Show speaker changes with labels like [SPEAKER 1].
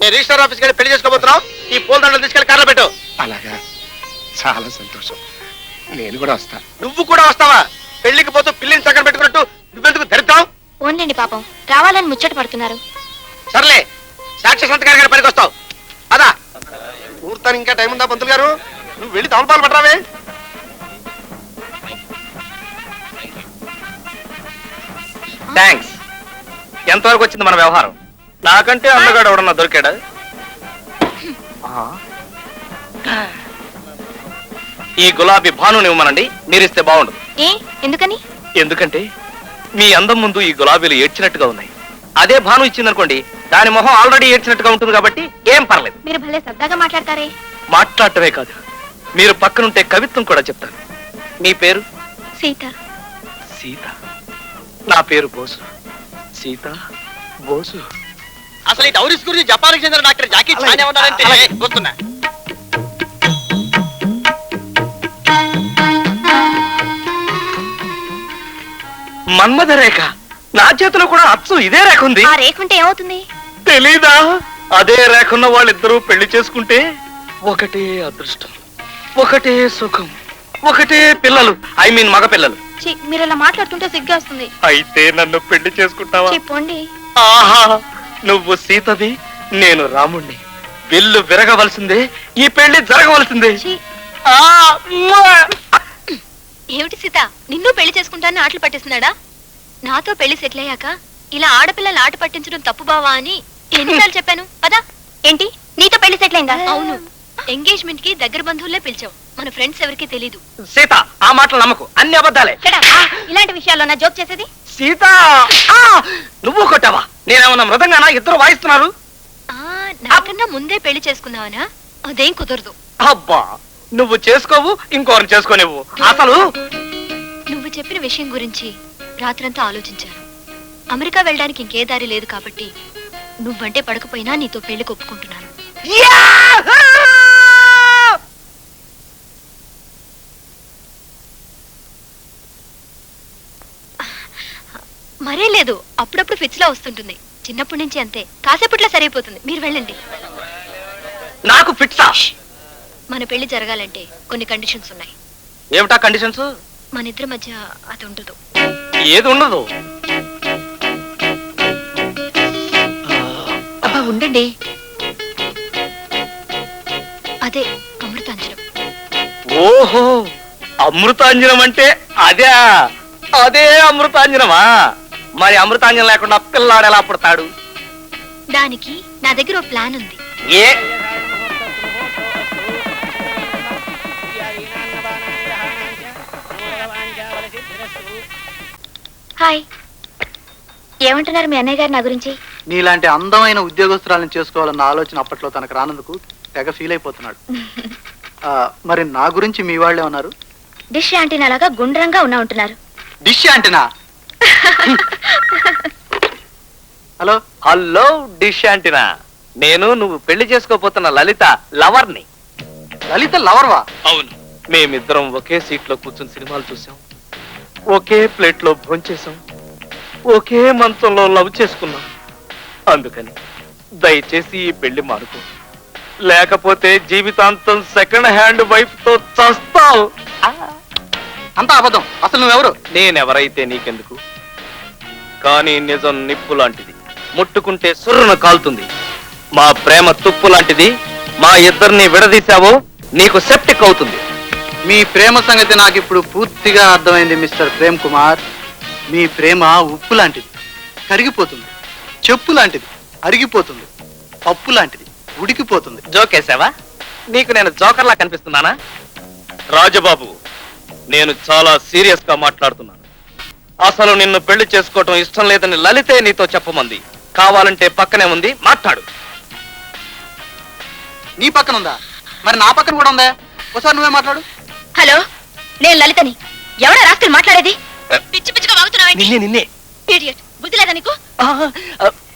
[SPEAKER 1] మేము రిజిస్టర్ ఆఫీస్కి వెళ్ళి పెళ్లి చేసుకోబోతున్నాం. ఈ పూల దండలు తీసుకెళ్లి కార్లో పెట్టు.
[SPEAKER 2] అలాగా, చాలా సంతోషం. నేను కూడా వస్తా.
[SPEAKER 1] నువ్వు కూడా వస్తావా? పెళ్లికి పోతూ పిల్లిని చక్కన పెట్టుకున్నట్టు నువ్వెందుకు ధరిద్దాం?
[SPEAKER 3] ఓన్లండి పాపం, రావాలని ముచ్చట పడుతున్నారు.
[SPEAKER 1] సర్లే, సాక్షి సంతకారి గారి పనికి వస్తావు. అదా ముహూర్తానికి ఇంకా టైం ఉందా పంతులు గారు? నువ్వు వెళ్ళి తమలపాలు పట్టరావే.
[SPEAKER 4] థ్యాంక్స్. ఎంతవరకు వచ్చింది మన వ్యవహారం? నాకంటే అన్నగాడు ఎవడన్నా దొరికాడా? ఈ గులాబీ భానుని ఇవ్వమనండి, మీరిస్తే బాగుండదు.
[SPEAKER 3] ఎందుకని?
[SPEAKER 4] ఎందుకంటే మీ అందం ముందు ఈ గులాబీలు ఏడ్చినట్టుగా ఉన్నాయి. అదే భాను ఇచ్చిందనుకోండి, దాని మొహం ఆల్రెడీ ఏడ్చినట్టుగా ఉంటుంది కాబట్టి ఏం పర్లేదు.
[SPEAKER 3] మీరు భలే సరదాగా మాట్లాడతారే.
[SPEAKER 4] మాట్లాడటమే కాదు, మీరు పక్కనుంటే కవిత్వం కూడా చెప్తాను. మీ పేరు?
[SPEAKER 3] సీత.
[SPEAKER 4] సీత. నా పేరు బోసు. సీత, బోసు.
[SPEAKER 1] అసలు ఈ డౌరీస్ గురించి జపాన్కి చెందిన డాక్టర్ జాకీ చాన్ ఏమన్నారంటే వస్తున్నా.
[SPEAKER 4] మన్మథ రేఖ. నా చేతిలో కూడా అచ్చు ఇదే రేఖ ఉంది.
[SPEAKER 3] ఆ రేఖ ఉంటే ఏమవుతుంది
[SPEAKER 4] తెలీదా? అదే రేఖన్న వాళ్ళిద్దరూ పెళ్లి చేసుకుంటే ఒకటే అదృష్టం, ఒకటే సుఖం, ఒకటే పిల్లలు. ఐ మీన్ మగ పిల్లలు.
[SPEAKER 3] మీరు ఇలా మాట్లాడుతుంటే సిగ్గా వస్తుంది.
[SPEAKER 4] అయితే నన్ను పెళ్లి చేసుకుంటావా?
[SPEAKER 3] చెప్పండి.
[SPEAKER 4] ఆహా, నువ్వు సీతవి, నేను రాముణ్ణి. విల్లు విరగవలసిందే, ఈ పెళ్లి జరగవలసిందే.
[SPEAKER 3] ఏమిటి సీత, నిన్ను పెళ్లి చేసుకుంటానని ఆటలు పట్టిస్తున్నాడా? నాతో పెళ్లి సెటిల్ అయ్యాక ఇలా ఆడపిల్లలు ఆట పట్టించడం తప్పు బావా అని ఎన్నిసార్లు చెప్పాను. పదా. ఏంటి, నీతో పెళ్లి సెటిల్ అయిందా? అవును, ఎంగేజ్మెంట్ కి దగ్గర బంధువులే పిలిచావు, మన ఫ్రెండ్స్ ఎవరికి తెలీదు.
[SPEAKER 4] సీత, ఆ మాటలు నమ్మకు, అన్ని అబద్ధాలే.
[SPEAKER 3] ఇలాంటి విషయాల్లో నా జోక్ చేసేది?
[SPEAKER 4] సీత, నువ్వు కొట్టావా? నేనేమన్నా మృదంగానా? ఇద్దరు వాయిస్తున్నారు.
[SPEAKER 3] నాకన్నా ముందే పెళ్లి చేసుకుందావనా? అదేం కుదరదు.
[SPEAKER 4] అబ్బా, నువ్వు చేసుకోవు, ఇంకోరిని చేసుకోనివ్వు. అసలు
[SPEAKER 3] నువ్వు చెప్పిన విషయం గురించి రాత్రంతా ఆలోచించాను. అమెరికా వెళ్ళడానికి ఇంకే దారి లేదు కాబట్టి నువ్వంటే పడకపోయినా నీతో పెళ్లి ఒప్పుకుంటున్నాను. మరే లేదు, అప్పుడప్పుడు ఫిట్స్ లా వస్తుంటుంది. చిన్నప్పటి నుంచి అంతే, కాసేపట్లో సరైపోతుంది. మీరు వెళ్ళండి.
[SPEAKER 4] నాకు ఫిట్సా?
[SPEAKER 3] మన పెళ్లి జరగాలంటే కొన్ని కండిషన్స్ ఉన్నాయి.
[SPEAKER 4] ఏమిటా కండిషన్స్?
[SPEAKER 3] మన ఇద్దరి మధ్య అది ఉండదు.
[SPEAKER 4] ఏది ఉండదు?
[SPEAKER 3] అబ్బా ఉండండి, అదే అమృతాంజనం.
[SPEAKER 4] ఓహో, అమృతాంజనం అంటే అదే. అదే అమృతాంజనమా? మరి అమృతాంజనం లేకుండా పిల్లాడు ఎలా పుడతాడు?
[SPEAKER 3] దానికి నా దగ్గర ఓ ప్లాన్ ఉంది.
[SPEAKER 4] ఏ?
[SPEAKER 3] హాయ్, ఏమంటున్నారు మీ అన్నయ్య గారు నా గురించి?
[SPEAKER 5] నీలాంటి అందమైన ఉద్యోగస్తురాలను చేసుకోవాలన్న ఆలోచన అప్పట్లో తనకు రానందుకు తెగ ఫీల్ అయిపోతున్నాడు. మరి నా గురించి మీ వాళ్ళే ఉన్నారు.
[SPEAKER 3] డిష్ యాంటీనా లాగా గుండ్రంగా ఉంటున్నారు.
[SPEAKER 5] Dish antenna? Hello
[SPEAKER 4] hello, dish antenna. నేను నువ్వు పెళ్లి చేసుకోపోతున్న లలిత లవర్ని.
[SPEAKER 5] లలిత లవర్వా?
[SPEAKER 4] అవును. మేమిద్దరం ఒకే సీట్ లో కూర్చుని సినిమాలు చూసాం, ఒకే ప్లేట్ లో భోంచేసాం, ఒకే మంచంలో లవ్ చేసుకున్నాం. అందుకని దయచేసి ఈ పెళ్లి మానుకో, లేకపోతే జీవితాంతం సెకండ్ హ్యాండ్ వైఫ్ తో చస్తావు.
[SPEAKER 5] అంతా అబద్ధం. అసలు నువ్వెవరు?
[SPEAKER 4] నేనెవరైతే నీకెందుకు, కానీ నిజం నిప్పు లాంటిది, ముట్టుకుంటే సుర్రున కాలుతుంది. మా ప్రేమ తుప్పు లాంటిది, మా ఇద్దరిని విడదీశావో నీకు సెప్టిక్ అవుతుంది.
[SPEAKER 5] మీ ప్రేమ సంగతి నాకు ఇప్పుడు పూర్తిగా అర్థమైంది మిస్టర్ ప్రేమ్ కుమార్. మీ ప్రేమ ఉప్పు లాంటిది, కరిగిపోతుంది. చెప్పు లాంటిది, అరిగిపోతుంది. పప్పు లాంటిది, ఉడికిపోతుంది.
[SPEAKER 4] జోకేసావా? నీకు నేను జోకర్లా కనిపిస్తున్నానా? రాజబాబు, నేను చాలా సీరియస్ గా మాట్లాడుతున్నాను. అసలు నిన్ను పెళ్లి చేసుకోవటం ఇష్టం లేదని లలితే నీతో చెప్పమంది. కావాలంటే పక్కనే ఉంది, మాట్లాడు.
[SPEAKER 5] నీ పక్కన ఉందా? మరి నా పక్కన కూడా ఉందా? ఒకసారి నువ్వే మాట్లాడు.
[SPEAKER 3] హలో, నేను లలితని. ఎవడా రాత్రి మాట్లాడేది? పిచ్చి పిచ్చిగా వాగుతున్నావు.
[SPEAKER 4] నిన్నే.
[SPEAKER 3] బుద్ధి లేదా నీకు?